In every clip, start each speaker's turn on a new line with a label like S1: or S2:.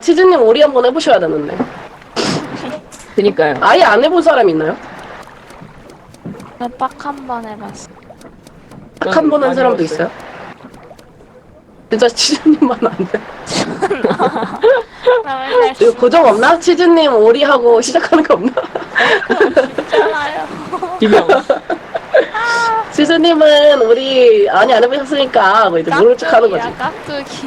S1: 치즈님 오리 한번 해보셔야 되는데.
S2: 그니까요.
S1: 아예 안 해본 사람 있나요?
S3: 딱 한 번 해봤어.
S1: 딱 한 번 한
S2: 많이
S1: 사람도
S2: 해봤어요.
S1: 있어요? 진짜 치즈님만 안 돼.
S3: 나 맨날
S1: 이거 고정 없나? 치즈님 오리하고 시작하는 거 없나?
S3: 쓰잖아요.
S2: 비명.
S1: 치즈님은 우리 아니 안 해보셨으니까 뭐 이제 모른 척 하는 거지.
S3: 깍두기.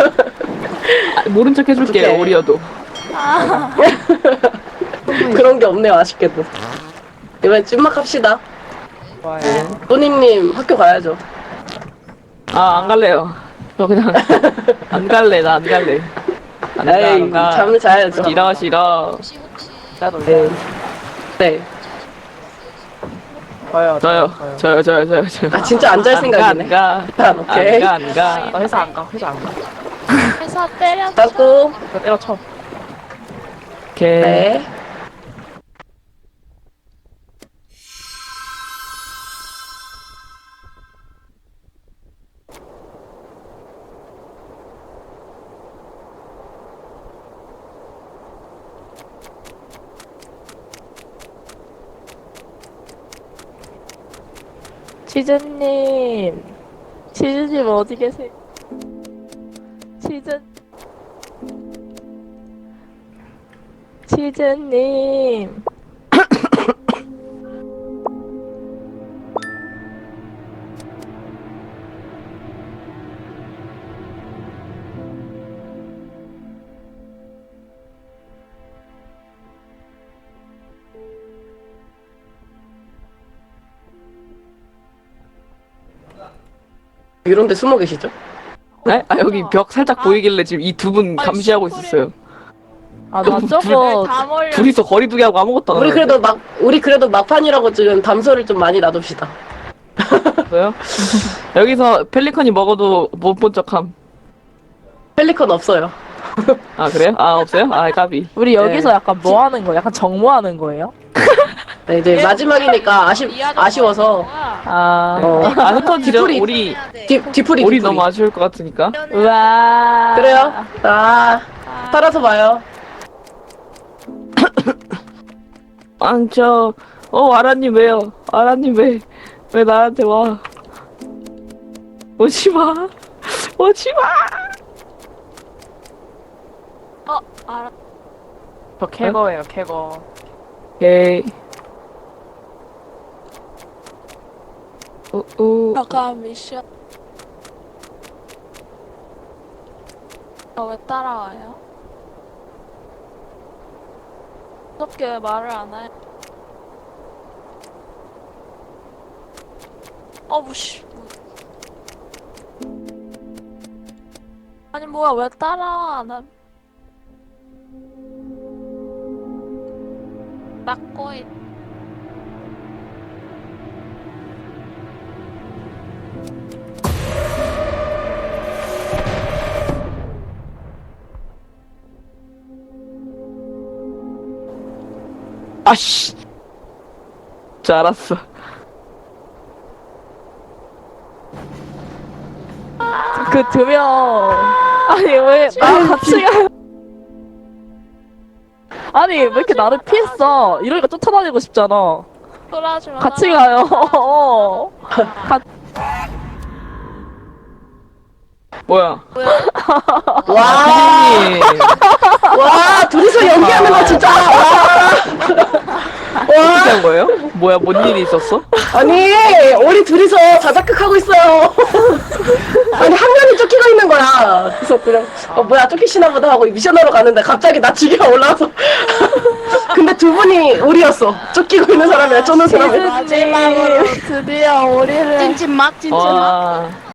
S2: 모른 척 해줄게요,
S1: 오케이.
S2: 오리여도.
S3: 아,
S1: 그런 게 없네요, 아쉽게도. 이번엔 찐막 합시다.
S4: 좋아요.
S1: 또니님 학교 가야죠.
S2: 아, 안 갈래요. 저 그냥, 안 갈래, 나 안 갈래.
S1: 에이, 잠을 자야죠.
S2: 싫어, 싫어.
S1: 네. 네.
S4: 저요.
S2: 저요.
S1: 아, 진짜 안 잘 생각이네.
S2: 안 가.
S1: 일단, 오케이.
S2: 안 가.
S4: 나 회사 안 가. 회사 안 가.
S3: 회사 때렸어.
S1: 닫고,
S4: 나 때려쳐.
S2: 오케이.
S1: 네.
S3: 치즈님. 치즈님 어디 계세요? 치즈님.
S1: 이런데 숨어 계시죠?
S2: 네? 아, 여기 벽 살짝 보이길래 지금 이 두 분 감시하고 있었어요.
S3: 아, 나 저거 다 몰려.
S2: 둘이서 거리두기 하고 아무것도 안
S1: 우리 그래도 막판이라고 지금 담소를 좀 많이 놔둡시다.
S2: 했어요. 여기서 펠리컨이 먹어도 못 본 척함.
S1: 펠리컨 없어요.
S2: 아, 그래요? 아, 없어요? 아, 까비.
S5: 우리 여기서
S1: 네.
S5: 약간 뭐 하는 거야? 약간 정모하는 거예요?
S1: 네, 이제 마지막이니까 아쉬워서.
S5: 아,
S2: 아, 흩어지려
S1: 뒤풀이.
S2: 우리,
S1: 뒤풀이.
S2: 우리 너무 아쉬울 것 같으니까.
S5: 우와.
S1: 그래요? 아, 살아서 봐요.
S2: 아라님 왜요? 아라님 왜 나한테 와? 오지 마. 오지 마.
S3: 알아.
S4: 저 캐거예요, 캐거.
S2: 오케이. 오.
S3: 잠깐 미션. 왜 따라와요? 어떻게 왜 말을 안 해? 무시. 아니 뭐야 왜 따라와? 나 막고 있.
S2: 아씨. 줄 알았어.
S5: 그 두 명. 아니, 왜, 나 같이 가요? 아니, 왜 이렇게 나를 피했어? 이러니까 쫓아다니고 싶잖아.
S3: 돌아주면
S5: 같이 가요.
S2: 뭐야?
S1: 와,
S2: 피디님.
S1: 와, 둘이서 연기하는 거 진짜. 와.
S2: 어떻게 한 거예요? 뭐야, 뭔 일이 있었어?
S1: 아니, 우리 둘이서 자작극하고 있어요. 아니, 한 명이 쫓기고 있는 거야. 그래서 그냥, 뭐야, 쫓기시나 보다 하고 미션하러 가는데 갑자기 나 지기가 올라와서. 근데 두 분이 우리였어. 쫓기고 있는 사람이랑 쫓는 사람이.
S3: 마지막으로 드디어 우리를
S2: 와.